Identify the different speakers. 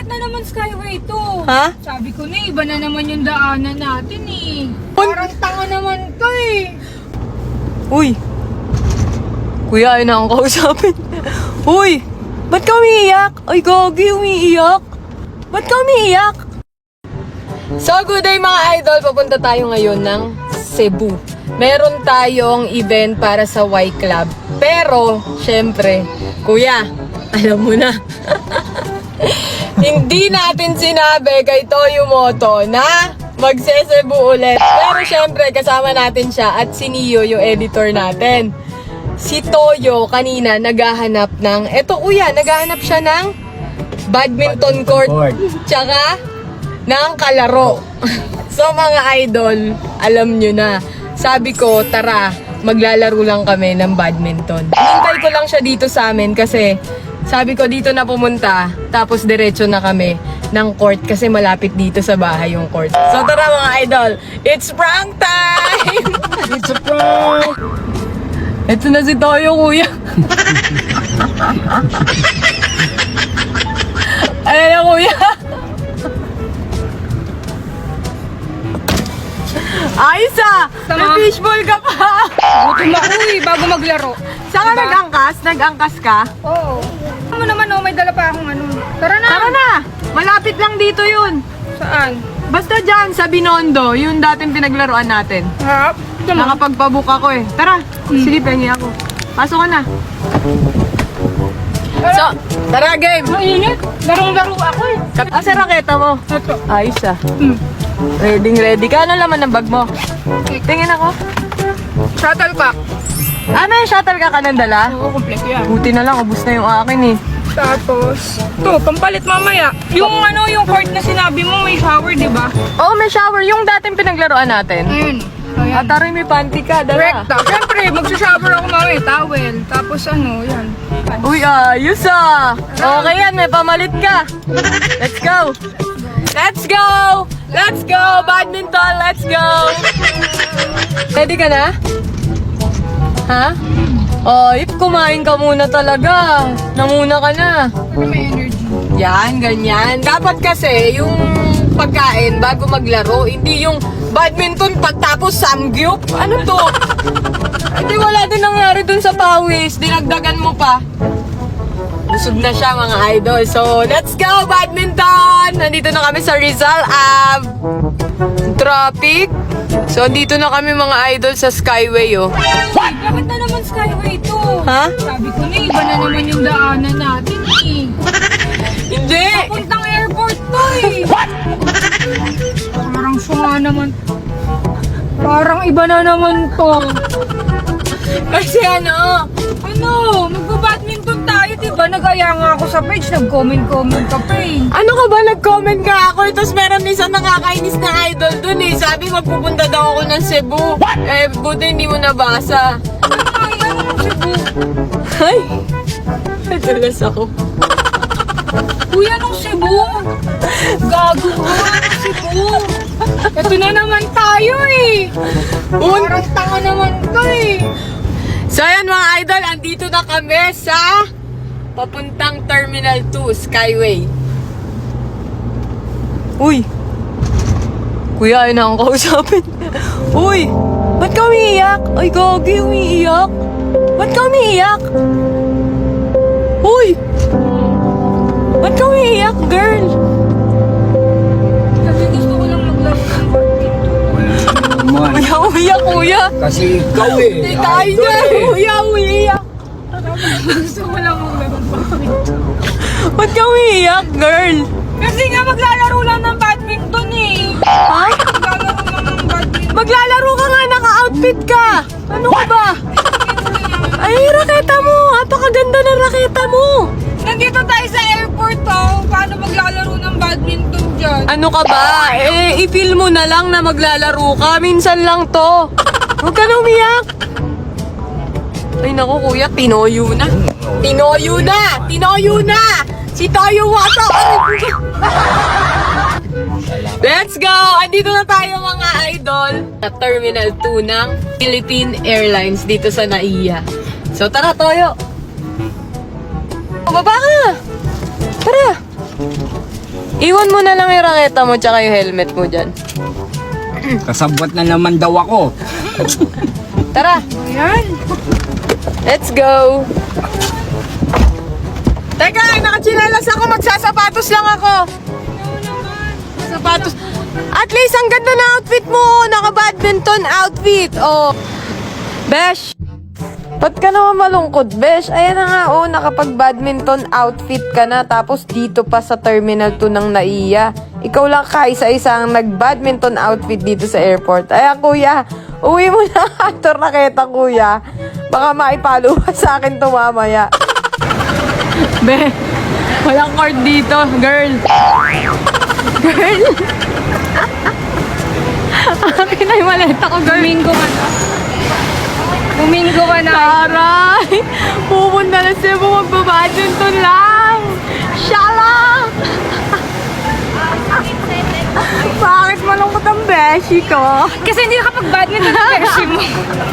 Speaker 1: Bakit na naman Skyway to?
Speaker 2: Ha?
Speaker 1: Sabi ko na, iba na naman yung daanan natin eh. Parang tanga naman to eh.
Speaker 2: Uy! Kuya, ayun na akong kausapin. Uy! Ba't ka umiiyak? Ay, gagi, umiiyak. Ba't ka umiiyak? So, good day mga idol. Papunta tayo ngayon ng Cebu. Meron tayong event para sa Y Club. Pero, syempre, kuya, alam mo na. Hindi natin sinabi kay Toyo Moto na magse-Cebu ulit. Pero syempre, kasama natin siya at si Neo, yung editor natin. Si Toyo kanina naghahanap ng, eto kuya, naghahanap siya ng badminton court. Tsaka ng kalaro. So mga idol, alam nyo na. Sabi ko, tara, maglalaro lang kami ng badminton. Hinintay ko lang siya dito sa amin kasi sabi ko dito na pumunta, tapos diretso na kami ng court kasi malapit dito sa bahay yung court. So tara mga idol, it's prank time!
Speaker 3: It's a prank!
Speaker 2: Ito na si Toyo, kuya. Ayan na, kuya. Ayos ah!
Speaker 1: Tama.
Speaker 2: May fishball ka pa!
Speaker 1: Gutom ako eh, bago maglaro.
Speaker 2: Saan ka
Speaker 1: Diba?
Speaker 2: nag-angkas? Nag-angkas ka?
Speaker 1: Oo. Ano naman oh, may dala pa akong ano. Tara na!
Speaker 2: Tara na! Malapit lang dito yun.
Speaker 1: Saan?
Speaker 2: Basta dyan, sa Binondo, yung dating pinaglaruan natin.
Speaker 1: Ha? Tama.
Speaker 2: Nakapagpabook ako eh. Tara, sige, pengi ako. Pasok ka na. So, tara game!
Speaker 1: Mainit. Larong-laro ako eh.
Speaker 2: Asa raketa mo?
Speaker 1: Ito.
Speaker 2: Ayos ah. Ready ka. Ano laman ng bag mo? Tingin ako.
Speaker 1: Shuttlecock.
Speaker 2: May shuttle ka ng dala?
Speaker 1: Oo, kompleto yan.
Speaker 2: Buti na lang, ubus na yung akin eh.
Speaker 1: Tapos, ito, pampalit mamaya. Yung ano, yung court na sinabi mo, may shower, di ba?
Speaker 2: Oh, may shower. Yung dating pinaglaruan natin.
Speaker 1: Ayun. Ayan.
Speaker 2: At taray, may panty ka. Dala.
Speaker 1: Recta. Siyempre, magsashower ako mamaya, towel. Tapos ano, yan.
Speaker 2: Uy, ayos ah. Okay yan, may pamalit ka. Let's go. Let's go! Let's go! Badminton, let's go! Ready ka na? Ha? Oh, if kumain ka muna talaga. Namuna ka na.
Speaker 1: Ano may energy?
Speaker 2: Yan, ganyan. Dapat kasi yung pagkain bago maglaro, hindi yung badminton pagtapos samgyup. Ano to? Hindi wala din nangyari dun sa pawis. Dinagdagan mo pa. Busog na siya mga idol. So, let's go badminton! Nandito na kami sa Rizal Ave. Traffic. So, dito na kami mga idol sa Skyway, oh.
Speaker 1: Bakit na naman Skyway to?
Speaker 2: Ha?
Speaker 1: Sabi ko na, iba na naman yung daanan natin eh.
Speaker 2: Hindi!
Speaker 1: Puntang airport to eh. What? Parang sunga naman. Parang iba na naman to.
Speaker 2: Kasi ano,
Speaker 1: Magba-badminton tayo, diba? Nag-aya nga ako sa page, nag-comment ka pa eh.
Speaker 2: ano ka ba? Nag-comment nga ako. Tapos meron isang nakakainis na idol dun eh. Sabi magpupunta daw ako ng Cebu. Eh, buti hindi mo nabasa.
Speaker 1: Ay, ano ng Cebu?
Speaker 2: Ay, nadulas ako.
Speaker 1: Kuya, nung Cebu? Gago ka, nung Cebu. Ito na naman tayo eh. Parang tanga naman to eh.
Speaker 2: So ayan mga idol, andito na kami sa papuntang Terminal 2, Skyway. Uy! Kuya, ayun na akong kausapin. Uy! Ba't ka umiiyak? Ay, gagi, umiiyak. Ba't ka umiiyak? Uy! Ba't ka umiiyak, girl?
Speaker 1: Kasi gusto ko lang maglaro ng badminton.
Speaker 3: Man.
Speaker 2: Kuya, umiiyak, kuya.
Speaker 3: Kasi ikaw
Speaker 2: Hindi
Speaker 3: eh.
Speaker 2: tayo
Speaker 3: idol
Speaker 2: na.
Speaker 3: eh.
Speaker 2: Kuya, umiiyak.
Speaker 1: Gusto ko lang maglaro ng badminton.
Speaker 2: Ba't ka umiiyak, girl?
Speaker 1: Kasi nga maglalaro lang ng badminton eh.
Speaker 2: Ha?
Speaker 1: Maglalaro lang ng badminton.
Speaker 2: Maglalaro ka nga, naka-outfit ka. Ano ka ba? Ay, raketa mo. Apakaganda ng raketa mo.
Speaker 1: Nandito tayo sa airport oh. Paano maglalaro ng badminton dyan?
Speaker 2: Ano ka ba? Eh, i-feel mo na lang na maglalaro ka. Minsan lang to. Huwag ka na umiyak. Ay, naku, kuya. Tinoyo na. Tinoyo na! Tinoyo na! Si Toyo Moto! Let's go! Andito na tayo mga idol sa Terminal 2 ng Philippine Airlines dito sa NAIA. So tara, Toyo! Baba ka! Tara! Iwan mo na lang yung raketa mo tsaka yung helmet mo dyan.
Speaker 3: Kasabwat na naman daw ako.
Speaker 2: Tara,
Speaker 1: Ayan.
Speaker 2: let's go! Teka, nakachinelas ako. Magsasapatos lang ako. Sapatos. At least, ang ganda na outfit mo. Naka-badminton outfit. Oh. Besh, ba't ka naman malungkot, Besh? Ayan na nga, oh, nakapag-badminton outfit ka na. Tapos dito pa sa Terminal 2 ng NAIA. Ikaw lang kaisa-isa ang nag-badminton outfit dito sa airport. Ay, kuya, uwi mo na ang raketa, kuya. Baka maipaluwa sa akin to mamaya. Be, walang cord dito, girl. Girl. Akin na yung maleta ko, girl.
Speaker 1: Bumingo ka na. Bumingo ka na.
Speaker 2: Taray! Pupunta na siya mo magbabadminton lang! Shala! Bakit malungkot ang beshi ko?
Speaker 1: Kasi hindi nakapag-badminton ang beshi mo.